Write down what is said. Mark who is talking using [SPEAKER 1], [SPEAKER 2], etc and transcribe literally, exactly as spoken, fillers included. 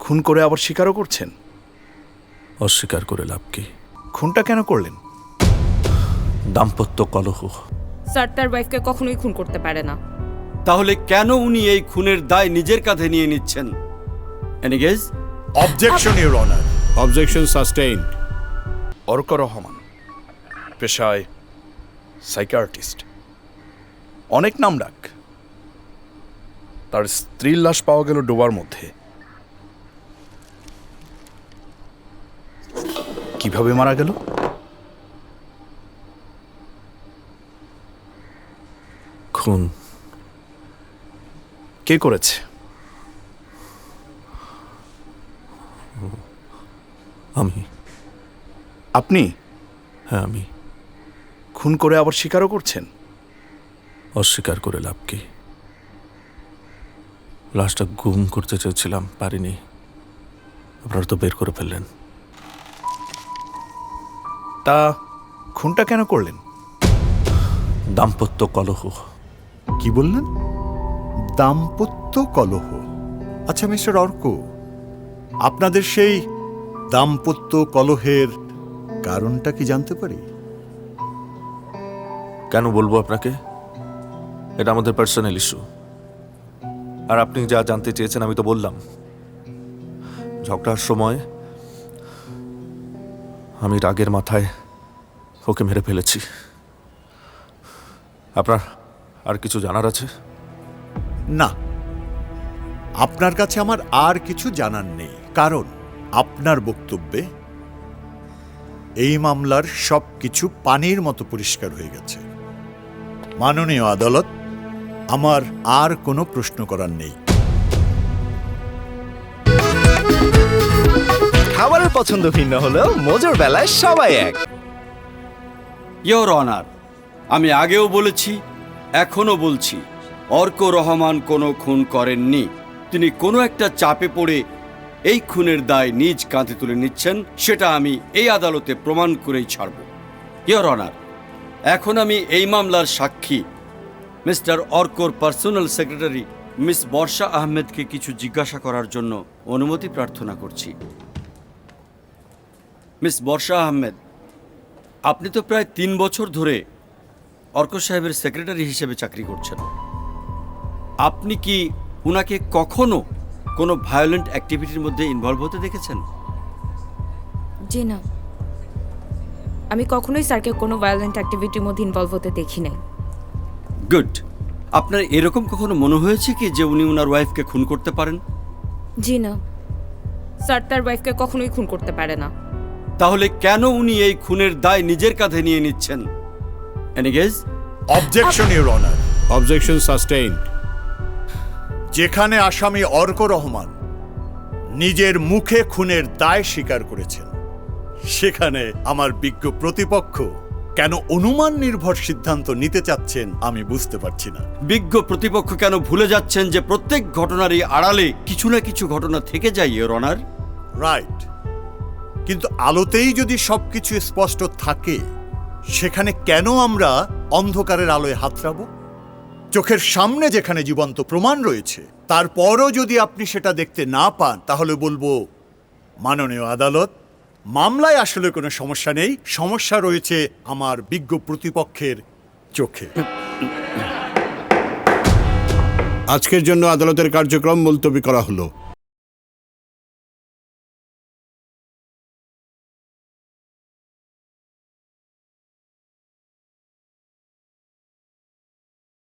[SPEAKER 1] খুন করে আবার স্বীকারও করছেন?
[SPEAKER 2] অস্বীকার করে লাভ কি?
[SPEAKER 1] খুনটা কেন করলেন?
[SPEAKER 2] দাম্পত্য কলহ।
[SPEAKER 3] স্যার তার ওয়াইফকে কখনোই খুন করতে পারে না।
[SPEAKER 4] তাহলে কেন উনি এই খুনের দায় নিজের কাঁধে নিয়ে নিচ্ছেন? Any guess?
[SPEAKER 5] Objection your honour.
[SPEAKER 6] Objection sustained.
[SPEAKER 1] Arko Rahman পেশায় সাইকিয়াট্রিস্ট, অনেক নামডাক। তার স্ত্রীর লাশ পাওয়া গেল ডোবার মধ্যে। কিভাবে মারা গেল?
[SPEAKER 2] খুন।
[SPEAKER 1] কে করেছে?
[SPEAKER 2] আমি।
[SPEAKER 1] আপনি?
[SPEAKER 2] হ্যাঁ আমি।
[SPEAKER 1] খুন করে আবার স্বীকারও করছেন?
[SPEAKER 2] অস্বীকার করে লাভ কি? লাশটা গুম করতে চেয়েছিলাম, পারিনি। আপনারা তো বের করে ফেললেন।
[SPEAKER 1] তা খুনটা কেন করলেন?
[SPEAKER 2] দাম্পত্য কলহ।
[SPEAKER 5] কি বললেন? দাম্পত্য কলহ। আচ্ছা মিস্টার অর্ক, আপনাদের সেই দাম্পত্য কলহের কারণটা কি জানতে পারি?
[SPEAKER 2] কেন বলবো আপনাকে? এটা আমাদের পার্সোনাল ইস্যু। আর আপনি যা জানতে চেয়েছেন আমি তো বললাম। ঝগড়ার সময় আমি রাগের মাথায় ওকে মেরে ফেলেছি। আপনার আর কিছু জানার আছে?
[SPEAKER 5] না, আপনার কাছে আমার আর কিছু জানার নেই, কারণ আপনার বক্তব্যে এই মামলার সব কিছু পানির মতো পরিষ্কার হয়ে গেছে। মাননীয় আদালত, আমার আর কোনো প্রশ্ন করার নেই।
[SPEAKER 7] খাবারের পছন্দ ভিন্ন হলেও মজুর বেলায় সবাই এক।
[SPEAKER 4] ইয়োর অনার, আমি আগেও বলেছি, এখনো বলছি, অর্ক রহমান কোনো খুন করেননি। তিনি কোনো একটা চাপে পড়ে এই খুনের দায় নিজ কাঁধে তুলে নিচ্ছেন, সেটা আমি এই আদালতে প্রমাণ করেই ছাড়ব। ইয়োর অনার, এখন আমি এই মামলার সাক্ষী মিস্টার অর্কর পার্সোনাল সেক্রেটারি মিস বর্ষা আহমেদকে কিছু জিজ্ঞাসা করার জন্য অনুমতি প্রার্থনা করছি। মিস বর্ষা আহমেদ, আপনি তো প্রায় তিন বছর ধরে অর্ক সাহেবের সেক্রেটারি হিসেবে চাকরি করছেন। আপনি কি উনাকে কখনো কোনো ভায়োলেন্ট অ্যাক্টিভিটির মধ্যে ইনভলভ হতে দেখেছেন?
[SPEAKER 3] জি না, আমি কখনোই স্যারকে কোনো ভায়োলেন্ট অ্যাক্টিভিটির মধ্যে ইনভলভ হতে দেখি নাই।
[SPEAKER 4] গুড। আপনার এরকম কখনো মনে হয়েছে কি যে উনি ওনার ওয়াইফকে খুন করতে পারেন?
[SPEAKER 3] জি না, স্যার তার ওয়াইফকে কখনোই খুন করতে পারে না।
[SPEAKER 4] তাহলে কেন উনি এই খুনের দায় নিজের কাঁধে নিয়ে নিচ্ছেন? Any guess?
[SPEAKER 5] Objection your honour.
[SPEAKER 6] Objection sustained.
[SPEAKER 5] যেখানে আসামি অর্ক রহমান নিজের মুখে খুনের দায় স্বীকার করেছেন, সেখানে আমার বিজ্ঞ প্রতিপক্ষ কেন অনুমান নির্ভর সিদ্ধান্ত নিতে চাচ্ছেন আমি বুঝতে পারছি না।
[SPEAKER 4] বিজ্ঞ প্রতিপক্ষ কেন ভুলে যাচ্ছেন যে প্রত্যেক ঘটনারই আড়ালে কিছু না কিছু ঘটনা থেকে যায়, ইয়োর অনার?
[SPEAKER 5] রাইট, কিন্তু আলোতেই যদি সবকিছু স্পষ্ট থাকে, সেখানে কেন আমরা অন্ধকারের আলোয় হাতড়াবো? চোখের সামনে যেখানে জীবন্ত প্রমাণ রয়েছে, তারপরও যদি আপনি সেটা দেখতে না পান, তাহলে বলবো, মাননীয় আদালত, মামলায় আসলে কোনো সমস্যা নেই, সমস্যা রয়েছে আমার বিজ্ঞ প্রতিপক্ষের চোখে।
[SPEAKER 6] আজকের জন্য আদালতের কার্যক্রম মুলতবি করা হলো।